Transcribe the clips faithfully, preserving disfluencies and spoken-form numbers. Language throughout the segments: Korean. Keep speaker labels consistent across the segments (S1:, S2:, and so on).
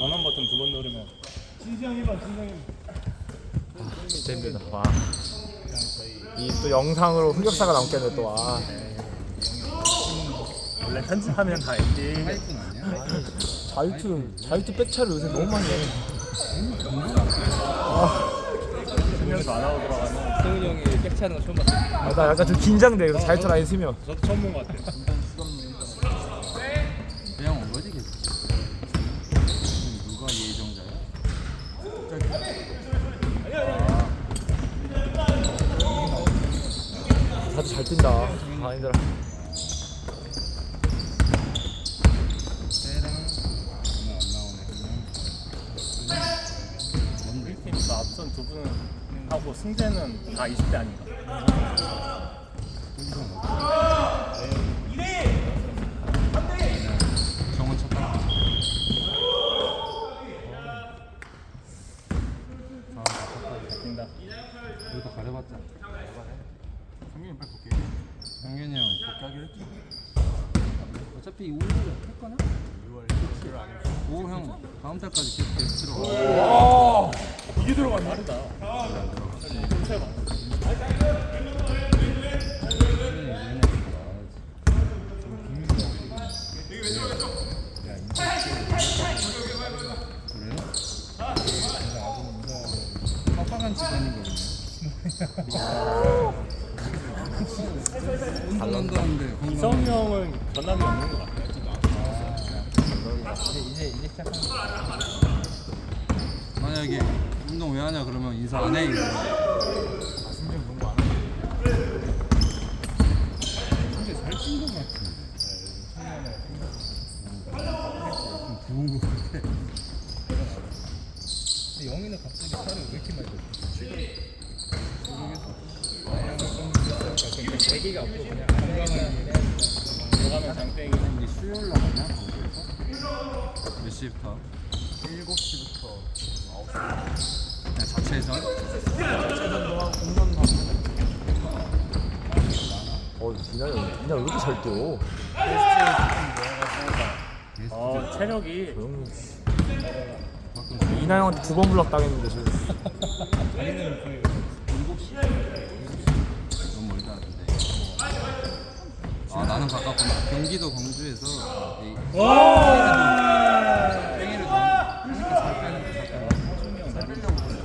S1: 전원 버튼 두 번 누르면
S2: 진상이만 진상이.
S3: 아, 진짜 힘들다. 와. 이 또 영상으로 흑역사가 남겠네 또. 아.
S1: 원래 편집하면 다 엔딩.
S4: 파이픈 아니야?
S3: 자유투 자유투 백차를 요새 너무 많이 해.
S1: 쓰면서 안 하고 들어가면
S4: 성훈이 형이 백차는 거 처음 봤어.
S3: 아, 나 약간 좀 긴장돼. 그래서 자유투 라인 쓰면.
S1: 저도 처음 본 것 같아요.
S4: 그냥 온 거지 계속. 누가 예정자야?
S3: 다들 잘 뛴다. 아 힘들어.
S4: 때랑 오늘 안 나오네. 그냥.
S1: 우리 팀도 앞선 두 분은 하고 승재는 다 이십 대 아닌가?
S4: 정원 쳤다.
S1: 뛴다.
S4: 여기도 가려봤자. 성균이 빨리 볼게. 성균이 형 복귀하기로 했지. 어차피 오월 할 거나? 유월 칠 안 했어. 오 형 다음 달까지 계속 게스트 들어가.
S3: 와.
S1: 이게 들어가네. 다르다. 훔쳐봐.
S4: 빡빡한 집안이거든요. 운동한다 하는데 건강.
S1: 이성이 형은 전남이 없는 것 같아요.
S4: 이제 이제 이제 시작하는 거. 만약에 운동 왜 하냐 그러면 인사 안 해. 이거.
S3: 승진 농구 안 해.
S4: 근데 살찐 것 같은데. 좀 부은 것 같아. 근데 영희는 갑자기 살을 왜 이렇게 많이 뺐지? 모르겠어. 애기가 없고 그냥 건강하게
S1: 들어가면 장땡이.
S4: 이제 수요일 나가냐? 거기에서? 몇 시부터?
S3: 일곱 시부터 아홉 시.
S4: 그냥 자체전?
S3: 체전도 하고 공연도 하고. 어, 이나 형, 이나 왜 이렇게 잘 뛰어?
S1: 어 체력이
S3: 조용히. 이나 형한테 두 번 블락 당했는데 지금.
S4: 너무 멀다 근데. 아 나는 가깝구나. 경기도 광주에서 이- 땡이를 좀 하니까 잘 빼는 거 같아. 잘 빼려고 그래.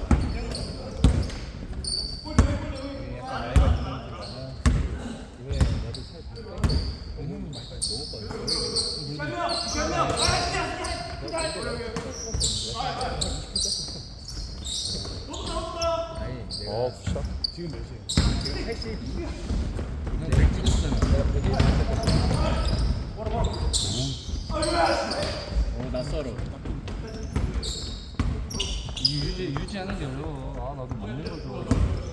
S3: 어, 굿샷.
S2: 지금 몇 시에?
S4: 난 백 찍었잖아.
S1: 오 낯설어.
S4: 이 유지 유지하는 게 어려워. 아 나도 먹는 걸 좋아해.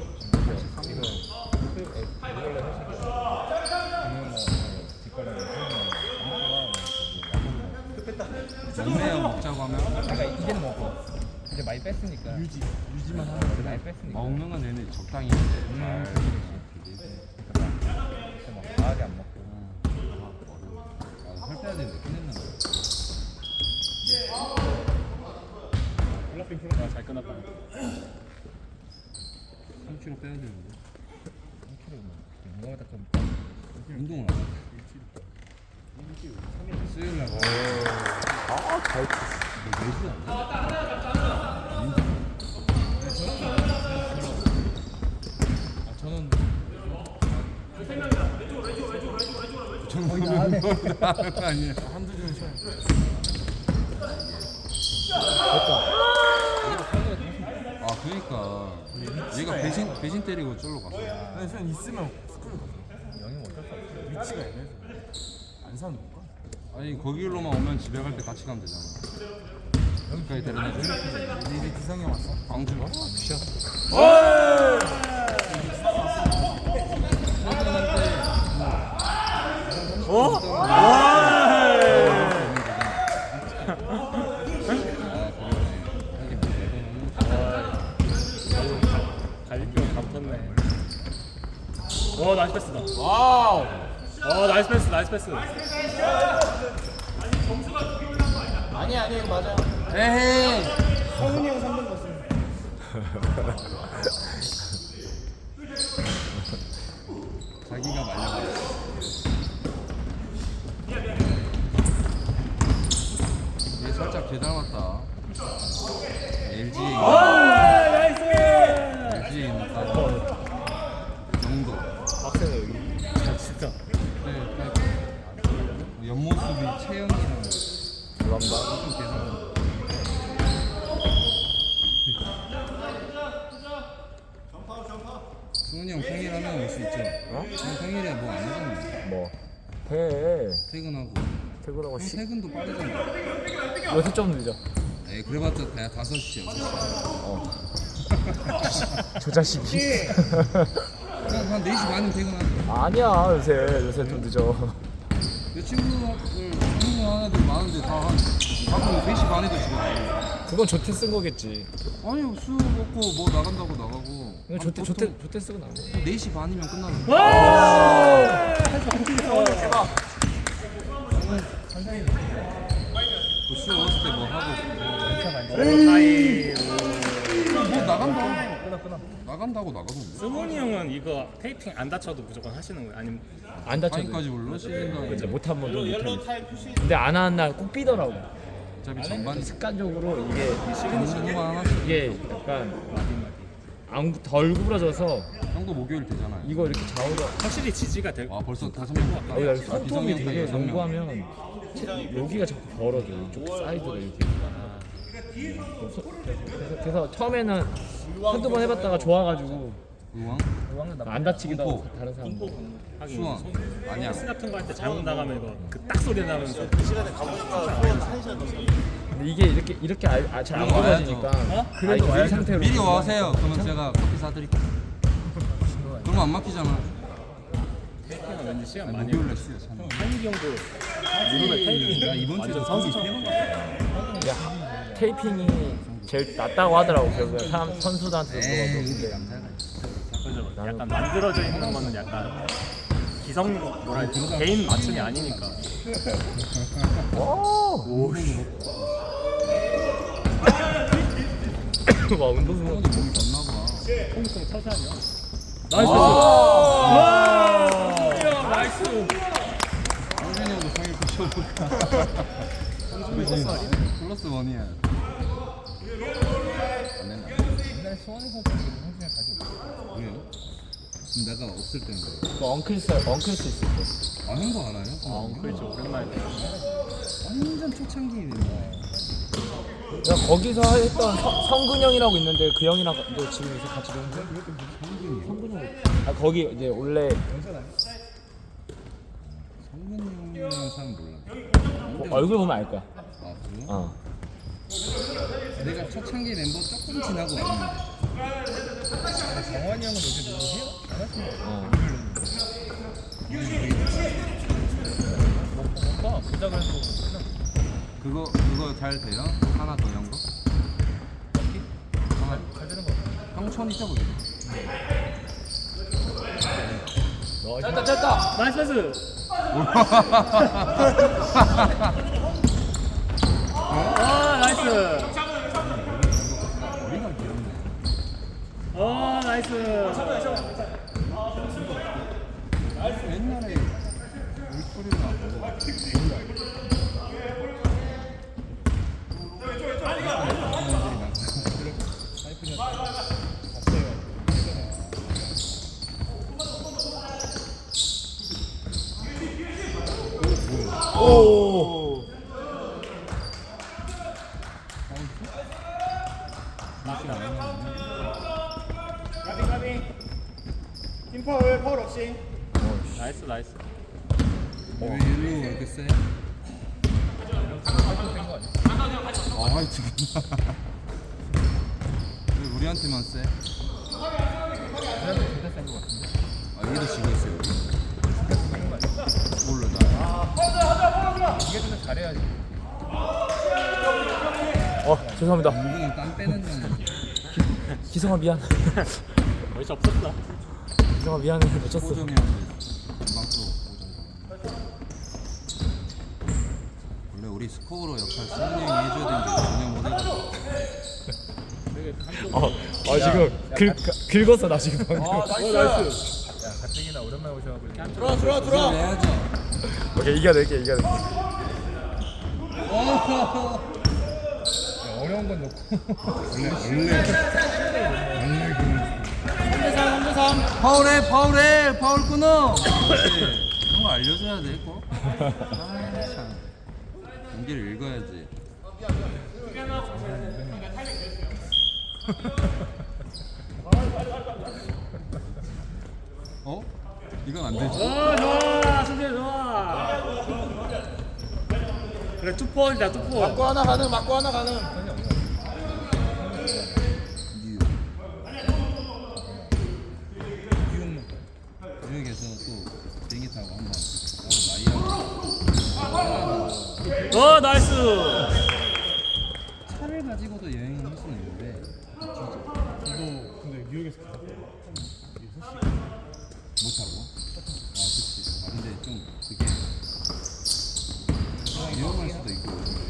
S4: 먹네요 먹자고 하면.
S5: 내가 이제는 먹어. 이제 많이 뺐으니까.
S2: 유지 유지만 하는 거.
S5: 많이 뺐으니까.
S4: 먹는 건 얘네 적당히 해. 잘.
S5: 그러니까 막 과하게 안 먹고.
S4: 살 빼야 되는데 끝냈나?
S1: 블락빙 풀어. 아잘 끊었다.
S4: 삼 킬로그램 빼야 되는데.
S5: 운동하다 그럼
S4: 운동을 안 해. 수요일 날.
S3: 아, 잘 뛰어.
S4: 너 매주 안 해?
S5: 아 저는
S4: 저는 하는 거 아니에요.
S3: 한두 줄 쉬어.
S4: 아 그러니까 얘가 배신 배신 때리고 쫄로 갔어.
S2: 아니 선 있으면 스쿨 가.
S5: 영영 어쩔 수 없어.
S2: 위치가 애매해서. 안 사는 건가?
S4: 아니 거기로만 오면 집에 갈 때 같이 가면 되잖아. 여기까지 데려다줘.
S2: 이제 기상이 형 왔어?
S4: 광주가?
S1: 어? 갈비뼈 감췄네. 오 나이스 패스다.
S3: 와우.
S1: 어 나이스 패스 나이스 패스.
S3: 아니 아니 맞아.
S4: 에헤이.
S2: 성훈이 형 삼 번 갔어.
S4: 자기가 말려버렸어. 얘 살짝 개 닮았다. 엘지에 엘지에 있는 딸 정도.
S3: 빡세네 여기.
S1: 진짜.
S4: 네, 그러니까 옆모습이 채영이랑
S3: 감사합니다.
S4: 좀 계산. 승훈이 형 생일하면 올 수 있죠?
S3: 어?
S4: 형 생일에 뭐 안 하잖아.
S3: 뭐 해.
S4: 퇴근하고.
S3: 퇴근하고
S4: 형
S3: 시.
S4: 퇴근도 빠르잖아.
S3: 요새 좀 늦어.
S4: 에이 그래봤자 다 다섯 시 여섯 시.
S3: 어. 저 자식이.
S4: 그냥 한 네 시 반이면 퇴근하죠.
S3: 아니야 요새 요새 좀 늦어.
S4: 내 친구들 친구 하나들 많은데 다한 가끔 네 시 반에도 집에 가고.
S3: 그건 조퇴 쓴 거겠지.
S4: 아니 술 먹고 뭐 나간다고 나가고.
S3: 이거 조퇴 조퇴 조퇴 쓰고 나온 거.
S4: 네 시 반이면 끝나는
S1: 와!
S4: 거야. 술 먹었을 때 뭐 하고
S1: 사이.
S4: 뭐 나간다고 나간다고 나가도
S1: 승훈이 형은 이거 테이핑 안 다쳐도 무조건 하시는 거예요? 아니면
S3: 안 다쳐도.
S4: 타임까지 올라 시즌
S3: 그치 못한 번도 못하겠어. 근데 안 하는 날 꼭 삐더라고.
S4: 어차피 전반
S3: 습관적으로 이게
S4: 시즌만 하나씩
S3: 이게 약간 안, 덜 구부러져서
S4: 형도 목요일 되잖아요.
S3: 이거 이렇게 좌우로
S1: 확실히 지지가 될
S4: 아 벌써 다섯 명 갔다.
S3: 아, 여기
S4: 아,
S3: 손톱이
S4: 비성형
S3: 되게
S4: 여섯 명.
S3: 연구하면 여기가 자꾸 벌어져 이쪽 사이드가 이렇게. 그래서, 그래서, 그래서 처음에는 한두 번 해봤다가 좋아가지고
S4: 의왕
S3: 안 다치기도 하고
S4: 공포.
S3: 다른 사람들.
S1: 하긴
S4: 수원 아니야.
S1: 스 같은 거 할 때 잘못 나가면 이거 그 딱 소리 나면서
S3: 근데 이게 이렇게 이렇게 잘 안
S4: 그래도
S3: 구부러지니까
S1: 어?
S3: 그래도 이 상태로
S4: 미리 와세요. 그러면 제가 커피 사드릴게요. 그러면 안 막히잖아.
S1: 테이핑은 왠지 시간
S4: 아니,
S1: 많이
S4: 목요일에 쉬어. 참.
S1: 한기 형도 무릎에 테이핑
S4: 야 이번 주에
S1: 완전 선수처럼 해본 거 같아.
S3: 야, 테이핑이 제일 낫다고 하더라고. 결국에 사람 선수들한테 물어봐도.
S4: 에이
S3: 근데
S4: 남자가
S1: 그죠? 약간 만들어져 있는 거는 약간 기성 뭐라 해야 되지? 개인 맞춤이 아니니까.
S3: 오, 와 운동선수.
S4: 형도 몸이 좋나 봐.
S1: 콩콩 터샤냐?
S3: 나이스.
S1: 와! 나이스.
S4: 성준이 형도 생일 붙여볼까? 플러스 원이야. 안 된다.
S5: 옛날에 수원에서 형준이 다시 오고.
S4: 그래요? 그럼 내가 없을 때는 그래.
S3: 그 엉클스 엉클스 있을 때.
S4: 아 형도 알아요?
S1: 아, 그렇죠. 오랜만에.
S4: 완전 초창기인데.
S3: 야 거기서 했던 성, 성근 형이라고 있는데 그 형이랑 너 지금 요새 같이 노는 거야? 성근 형. 아 거기 이제 원래
S4: 성근 형이라는 사람 몰라.
S3: 뭐 얼굴 보면 알 거야.
S4: 아 그래요?
S3: 어.
S4: 내가 초창기 멤버 조금 지나고 왔는데.
S5: 정환이 형은 요새 누구세요? 안 하시는 거
S3: 어.
S5: 뭔가 부작을 해도
S4: 그거 그거 잘 돼요? 하나 더 연 거? 하나
S5: 잘 되는 거 같아.
S4: 형천 있어 보이네.
S3: 됐다 됐다.
S1: 나이스 패스. 아, 나이스.
S4: 머리가 길었네.
S1: 아, 나이스.
S4: 옛날에 물소리가
S3: 오.
S1: 가비 가비. 팀 파울 파울 없이. 나이스 나이스.
S4: 왜 일로 이렇게 세? 아 지금 왜 우리한테만 세?
S5: 그래도 진짜 센거 같은데.
S4: 아 여기도 지고 있어요. 몰라 나.
S5: 이게 좀 잘해야지.
S3: 어 죄송합니다.
S4: 은근히 땀 빼는 중.
S3: 기성아 미안.
S1: 어이 없었어.
S3: 기성아 미안해 놓쳤어.
S4: 호정이 형이 금방 또 오전. 원래 우리 스코어로 역할 승훈이 형이 해줘야 되는데 전혀 못 해가지고.
S3: 어, 어 지금 긁, 긁었어 나 지금 방금.
S2: 아 나이스.
S5: 야 가뜩이나 오랜만에 오셔가지고
S2: 들어와 들어와 들어와.
S4: 해야지.
S3: 오케이 이겨낼게 이겨낼게.
S5: 야, 어려운 건 넣고 원래 원래 원래 그
S4: 파울해 파울해 파울 끊어. 그런 거 알려줘야 돼 꼭. 아참 경기를 읽어야지. 어? 이건 안 되지.
S1: 어 좋아 승재 좋아. 그래 투포이다 투포.
S2: 맞고 하나 가능. 맞고 하나 가능.
S4: 뉴욕. 뉴욕에서 또 비행기 타고 한번 마이애미.
S1: 어 나이스.
S4: 차를 가지고도 여행을 할 수는 있는데
S2: 저도 근데 뉴욕에서 갔다
S4: 못 타고. 아 그치. 아 근데 좀 그게 위험할 수도 있고.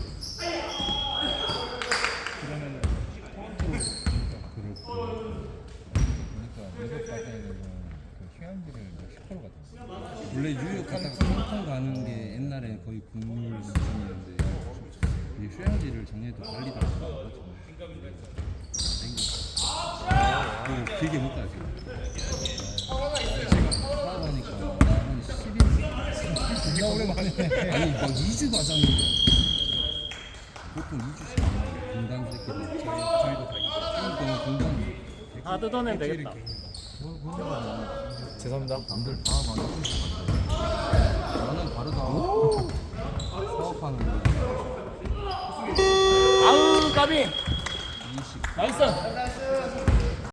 S5: 그러면 토론토로 그렇고 보니까 미국 같은 경우는 그 휴양지를 십 퍼센트 같았어.
S4: 원래 뉴욕 갔다가 홍콩 가는 게 옛날에 거의 국룰 수준이었는데 이제 휴양지를 작년에 또 발리도 갔다 왔거든. 그 길게 못 가요 지금. 살아보니까 나한 십 일
S5: 존나 오랜만에
S4: 아니 막 이 주 가자는데 보통 이 주씩 안 가요. 분단 새끼들. 저희도 다 이 주. 그러니까 분단.
S1: 아 뜯어내면 되겠다.
S3: 죄송합니다.
S4: 남들 다 많이 나는 다르다. 사업하는 거.
S1: 아우 까비.
S4: 이십.
S1: 나이스.